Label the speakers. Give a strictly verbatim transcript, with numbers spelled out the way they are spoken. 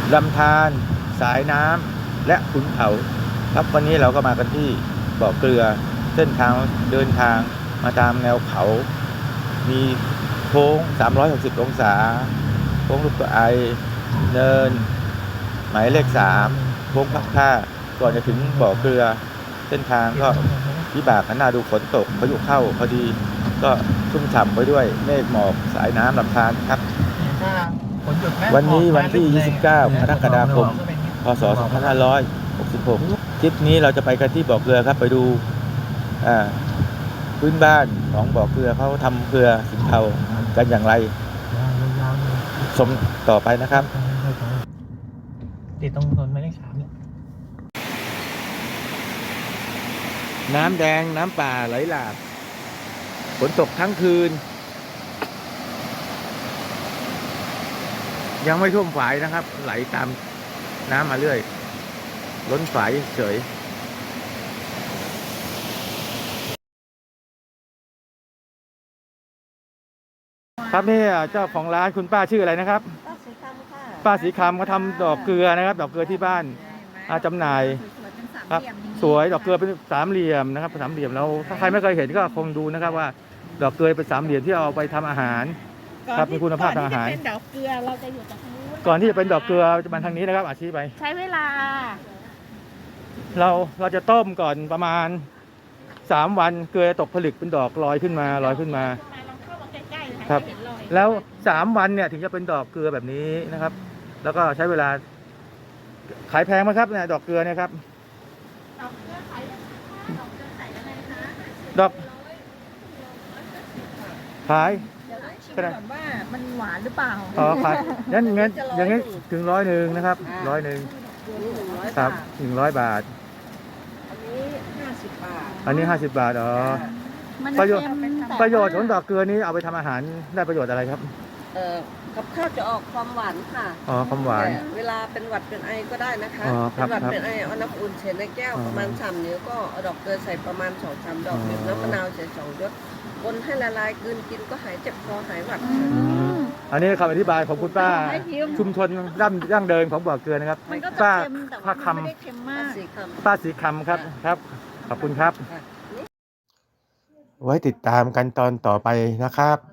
Speaker 1: ลำธารสายน้ำและขุนเขาครับวันนี้เราก็มากันที่บ่อเกลือเส้นทางเดินทางมาตามแนวเขามีโค้งสามร้อยหกสิบองศาโค้งลูกไอเนินหมายเลขสามโค้งพักท่าก่อนจะถึงบ่อเกลือเส้นทางก็วิบากกันหน้าดูฝนตกพายุเข้าพอดีก็ชุ่มฉ่ำไปด้วยเมฆหมอกสายน้ำลำธารครับวันนี้วันที่ยี่สิบเก้ากรกฎาคมพศสองพันห้าร้อยหกสิบหกคลิปนี้เราจะไปกันที่บ่อเกลือครับไปดูอ่าพื้นบ้านของบ่อเกลือเขาทำเกลือสินเทากันอย่างไรชมต่อไปนะครับ
Speaker 2: ติดตรงถนนหมายเลขสามเนี่ย
Speaker 1: น้ำแดงน้ำป่าไหลหลากฝนตกทั้งคืนยังไม่ท่วมฝายนะครับไหลตามน้ำมาเรื่อยล้นฝายเฉยครับนี่เจ้าของร้านคุณป้าชื่ออะไรนะครับ
Speaker 3: ป้าสีคำค่ะ
Speaker 1: ป้าสีคำเขาทำดอกเกลือนะครับดอกเกลือที่บ้านจำหน่ายครับสวยดอกเกลือเป็นสามเหลี่ยมนะครับสามเหลี่ยมแล้วถ้าใครไม่เคยเห็นก็คงดูนะครับว่าดอกเกลือเป็นสามเหลี่ยมที่เอาไปทำอาหารครับมีคุณภาพทางอาหาร
Speaker 3: ก่อนที่จะเป็นดอกเกลือเราจะอยู่ตรงนู้น
Speaker 1: ก่อนที่จะเป็นดอกเกลือจะมาทางนี้นะครับอาชีพไป
Speaker 3: ใช้เวลา
Speaker 1: เราเราจะต้มก่อนประมาณสามวันเกลือตกผลึกเป็นดอกลอยขึ้นมาลอยขึ้นมาครับแล้วสามวันเนี่ยถึงจะเป็นดอกเกลือแบบนี้นะครับแล้วก็ใช้เวลาขายแพงไหมครับเนี่ยดอกเกลือเนี่ยครับ
Speaker 3: ดอกเกลือขายดอกเกลือขายอะไรคะ
Speaker 1: ดอกขาย
Speaker 3: เดี๋ยวต้องชิมก่อนว่ามันหวานหรือเปล่า
Speaker 1: อ๋อขายงั้นงั้นอย่างงี้ถึงร้อยหนึ่งนะครับร้อยหนึ่งครับหนึ่งร้อยบาท
Speaker 3: อันนี้ห้าสิบบาท
Speaker 1: อันนี้ห้าสิบบาทอ๋อประโยชน์ประโยชน์ของดอกเกลือนี้เอาไปทำอาหารได้ประโยชน์อะไรครับ
Speaker 3: เอ่อกับข้าวจะออกความหวานค่ะ
Speaker 1: อ๋อความหวาน
Speaker 3: เวลาเป็นหวัดเป็นไอก็ได้นะคะ
Speaker 1: เป็น
Speaker 3: หวัดเป็นไอเอาน้ำอุ่นเฉในแก้วประมาณสามนิ้วก็เอาดอกเกลือใส่ประมาณสองสามดอกบีบน้ำมะนาวใส่สองหยดคนให้ละลายกลืนกินก็หายเจ็บคอหายหวัด
Speaker 1: อันนี้คำอธิบายของคุณป้าชุมชนร่ำยั่งเดินของบ่อเกลือนะครับป้าป้าคำป้าสีคำครับครับขอบคุณครับไว้ติดตามกันตอนต่อไปนะครับ